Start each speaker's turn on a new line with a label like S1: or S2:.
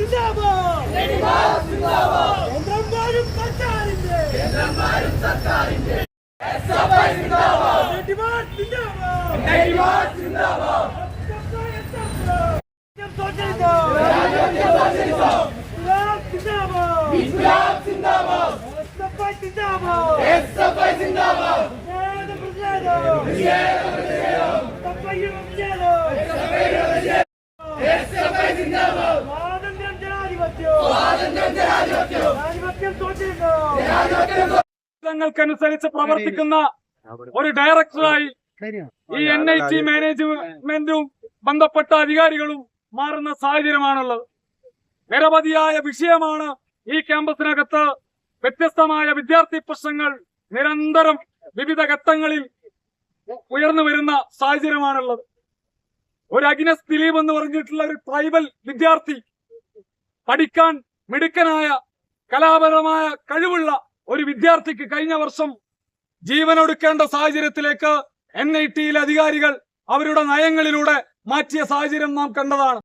S1: ങ്ങൾക്കനുസരിച്ച് പ്രവർത്തിക്കുന്ന ഒരു ഡയറക്ടറായി ഈ NIT മാനേജ്മെന്റും ബന്ധപ്പെട്ട അധികാരികളും മാറുന്ന സാഹചര്യമാണുള്ളത്. നിരവധിയായ വിഷയമാണ് ഈ ക്യാമ്പസിനകത്ത്. വ്യത്യസ്തമായ വിദ്യാർത്ഥി പ്രശ്നങ്ങൾ നിരന്തരം വിവിധ ഘട്ടങ്ങളിൽ ഉയർന്നു വരുന്ന സാഹചര്യമാണുള്ളത്. ഒരു അഗ്നസ് ദിലീപ് എന്ന് പറഞ്ഞിട്ടുള്ള ഒരു ട്രൈബൽ വിദ്യാർത്ഥി, പഠിക്കാൻ മിടുക്കനായ കലാപരമായ കഴിവുള്ള ഒരു വിദ്യാർത്ഥിക്ക് കഴിഞ്ഞ വർഷം ജീവനൊടുക്കേണ്ട സാഹചര്യത്തിലേക്ക് NIT അധികാരികൾ അവരുടെ നയങ്ങളിലൂടെ മാറ്റിയ സാഹചര്യം നാം കണ്ടതാണ്.